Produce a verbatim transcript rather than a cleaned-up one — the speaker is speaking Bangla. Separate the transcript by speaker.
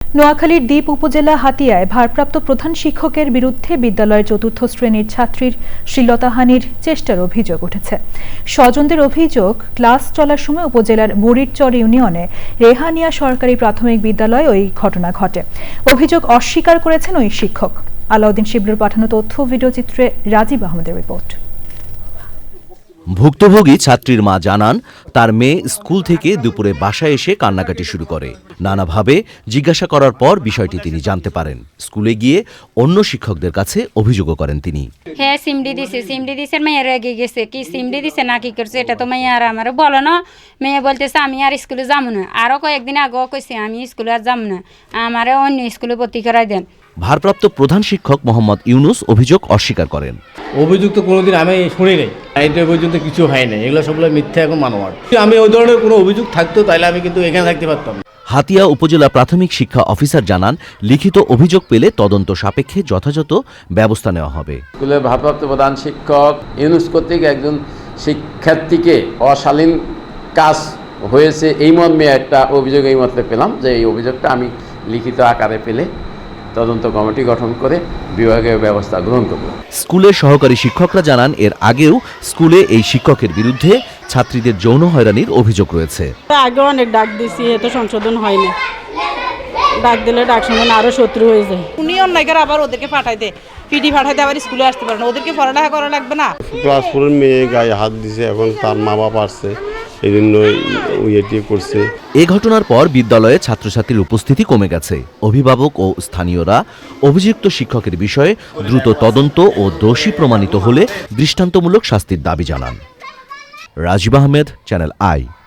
Speaker 1: নোয়াখালীর দ্বীপ উপজেলা হাতিয়ায় ভারপ্রাপ্ত প্রধান শিক্ষকের বিরুদ্ধে বিদ্যালয়ের চতুর্থ শ্রেণীর ছাত্রীর শ্লীলতাহানির চেষ্টার অভিযোগ উঠেছে। স্বজনদের অভিযোগ, ক্লাস চলার সময় উপজেলার বুড়িরচর ইউনিয়নে রেহানিয়া সরকারি প্রাথমিক বিদ্যালয়ে ওই ঘটনা ঘটে। অভিযোগ অস্বীকার করেছেন ওই শিক্ষক। আলাউদ্দিন শিবলুর পাঠানো তথ্য ভিডিওচিত্রে রাজীব আহমেদের রিপোর্ট।
Speaker 2: ভুক্তভোগী ছাত্রীর মা জানান, তার মেয়ে স্কুল থেকে দুপুরে বাসায় এসে কান্নাকাটি শুরু করে। নানাভাবে জিজ্ঞাসা করার পর বিষয়টি তিনি জানতে পারেন। স্কুলে গিয়ে অন্য শিক্ষকদের কাছে অভিযোগও করেন তিনি।
Speaker 3: হ্যাঁ, সিমডি দিছে সিমডি দিছে মেয়ে রেগে গেছে, কি সিমডি দিছে না কি করছে এটা তো মেয়ে আর আমার বলো না। মেয়ে বলতেছে আমি আর স্কুলে যাবো না। আরও কয়েকদিন আগেও কইছে আমি স্কুলে আর যাবো না, আমারে অন্য স্কুলে ভর্তি করাই দেন।
Speaker 2: ভারপ্রাপ্ত প্রধান শিক্ষক মোহাম্মদ ইউনুস অভিযোগ অস্বীকার করেন।
Speaker 4: অভিযোগ তো কোনোদিন আমি শুনি নাই, এটা পর্যন্ত কিছু হয় নাই, এগুলো সবগুলো মিথ্যা এখন মানোয়ার। আমি ওই ধরনের কোনো অভিযোগ থাকতো তাহলে আমি কিন্তু এখানে থাকতে পারতাম।
Speaker 2: হাতিয়া উপজেলা প্রাথমিক শিক্ষা অফিসার জানান, লিখিত অভিযোগ পেলে তদন্ত সাপেক্ষে যথাযথ ব্যবস্থা নেওয়া হবে।
Speaker 5: স্কুলের ভারপ্রাপ্ত প্রধান শিক্ষক ইউনুস কর্তৃক একজন শিক্ষার্থীকে অশালীন কাজ হয়েছে এই মর্মে একটা অভিযোগ এই মতে পেলাম, যে এই অভিযোগটা আমি লিখিত আকারে পেলে তদন্ত কমিটি গঠন করে বিভাগীয় ব্যবস্থা গ্রহণ করব।
Speaker 2: স্কুলের সহকারী শিক্ষকরা জানান, এর আগেও স্কুলে এই শিক্ষকের বিরুদ্ধে ছাত্রীদের যৌন হয়রানির অভিযোগ রয়েছে।
Speaker 6: আগে অনেক ডাক দিছি, এত সংশোধন হয়নি। ডাক দিলে ডাক শুনে আরো শত্রু হয়ে যায়।
Speaker 7: উনি অন্যায় করে আবার ওদেরকে পাঠাই দেয়, পিডি পাঠাই দেয়, আবার স্কুলে আসতে পারে না। ওদেরকে পড়ালেখা করা লাগবে না।
Speaker 8: ক্লাস ফোরের মেয়ে গায়ে হাত দিছে, এখন তার মা বাবা আসছে, এই জন্য ইয়েটি করছে।
Speaker 2: এ ঘটনার পর বিদ্যালয়ে ছাত্রছাত্রীর উপস্থিতি কমে গেছে। অভিভাবক ও স্থানীয়রা অভিযুক্ত শিক্ষকের বিষয়ে দ্রুত তদন্ত ও দোষী প্রমাণিত হলে দৃষ্টান্তমূলক শাস্তির দাবি জানান। Rajib Ahmed, Channel I.